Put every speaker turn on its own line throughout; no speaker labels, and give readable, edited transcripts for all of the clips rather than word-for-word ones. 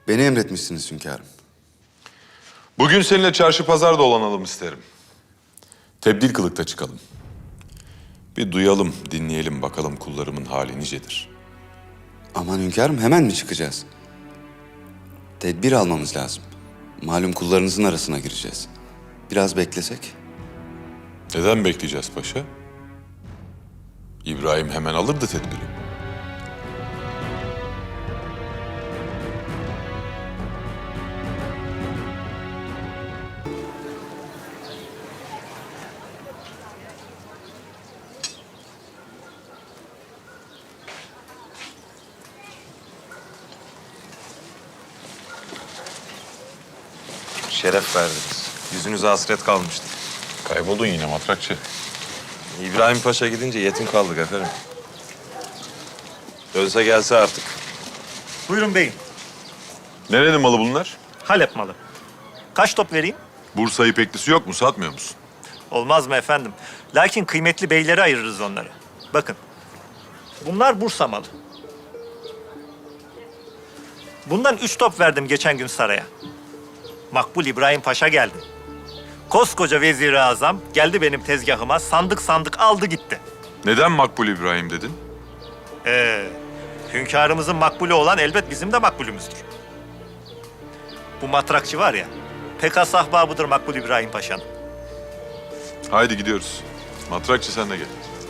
Beni emretmişsiniz hünkârım.
Bugün seninle çarşı pazar dolanalım isterim. Tebdil kılıkta çıkalım. Bir duyalım, dinleyelim bakalım kullarımın hali nicedir.
Aman hünkârım, hemen mi çıkacağız? Tedbir almamız lazım. Malum kullarınızın arasına gireceğiz. Biraz beklesek.
Neden bekleyeceğiz paşa? İbrahim hemen alırdı tedbiri.
Şeref verdiniz. Yüzünüze hasret kalmıştı.
Kayboldun yine matrakçı.
İbrahim Paşa gidince yetim kaldık efendim. Dönse gelse artık.
Buyurun beyim.
Nerenin malı bunlar?
Halep malı. Kaç top vereyim?
Bursa ipeklisi yok mu? Satmıyor musun?
Olmaz mı efendim? Lakin kıymetli beylere ayırırız onları. Bakın. Bunlar Bursa malı. Bundan 3 top verdim geçen gün saraya. Makbul İbrahim Paşa geldi. Koskoca Vezir-i Azam geldi benim tezgahıma, sandık sandık aldı gitti.
Neden Makbul İbrahim dedin?
Hünkârımızın makbulü olan elbet bizim de makbulümüzdür. Bu matrakçı var ya, pek has ahbabıdır Makbul İbrahim Paşa'nın.
Haydi gidiyoruz. Matrakçı sen de gel.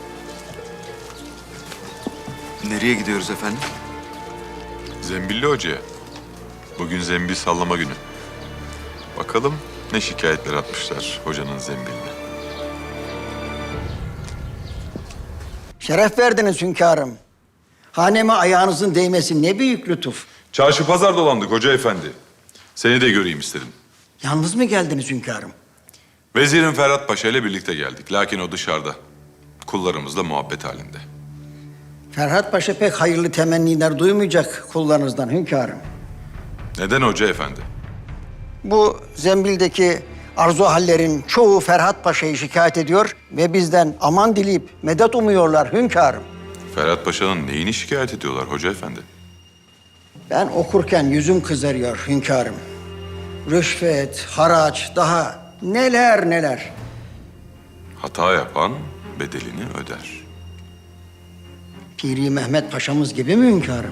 Nereye gidiyoruz efendim?
Zembilli Hoca'ya. Bugün zembil sallama günü. Bakalım ne şikayetler atmışlar hocanın zembiline.
Şeref verdiniz hünkârım. Haneme ayağınızın değmesi ne büyük lütuf.
Çarşı pazar dolandık hoca efendi. Seni de göreyim istedim.
Yalnız mı geldiniz hünkârım?
Vezirin Ferhat Paşa ile birlikte geldik. Lakin o dışarıda. Kullarımızla muhabbet halinde.
Ferhat Paşa pek hayırlı temenniler duymayacak kullarınızdan hünkârım.
Neden hoca efendi?
Bu zembildeki arzu hallerin çoğu Ferhat Paşa'yı şikayet ediyor ve bizden aman dileyip medet umuyorlar hünkârım.
Ferhat Paşa'nın neyini şikayet ediyorlar hoca efendi?
Ben okurken yüzüm kızarıyor hünkârım. Rüşvet, haraç, daha neler neler.
Hata yapan bedelini öder.
Piri Mehmet Paşa'mız gibi mi hünkârım?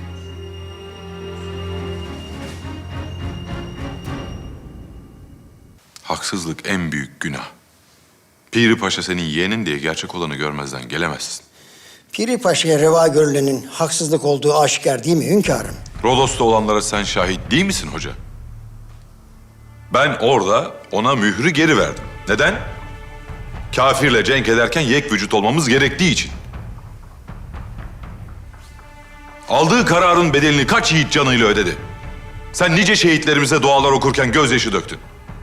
Haksızlık en büyük günah. Piri Paşa senin yeğenin diye gerçek olanı görmezden gelemezsin.
Piri Paşa'ya reva görülenin haksızlık olduğu aşikar değil mi hünkârım?
Rodos'ta olanlara sen şahit değil misin hoca? Ben orada ona mührü geri verdim. Neden? Kafirle cenk ederken yek vücut olmamız gerektiği için. Aldığı kararın bedelini kaç yiğit canıyla ödedi? Sen nice şehitlerimize dualar okurken gözyaşı döktün.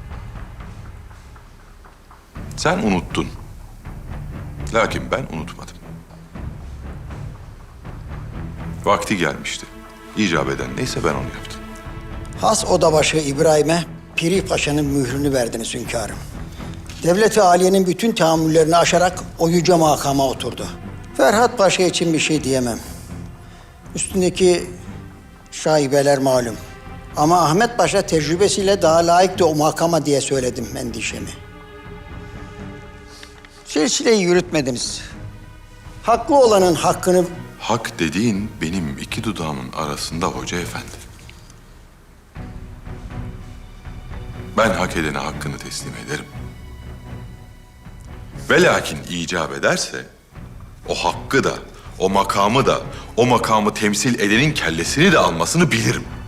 Sen unuttun. Lakin ben unutmadım. Vakti gelmişti. İcap eden neyse ben onu yaptım.
Has odabaşı İbrahim'e Piri Paşa'nın mührünü verdiniz hünkârım. Devlet-i Aliye'nin bütün tahammüllerini aşarak o yüce makama oturdu. Ferhat Paşa için bir şey diyemem. Üstündeki şaibeler malum. Ama Ahmet Paşa tecrübesiyle daha layıktı o makama diye söyledim endişemi. Silsileyi yürütmediniz. Haklı olanın hakkını...
Hak dediğin benim iki dudağımın arasında hoca efendi. Ben hak edene hakkını teslim ederim. Ve lakin icap ederse o hakkı da, o makamı da, o makamı temsil edenin kellesini de almasını bilirim.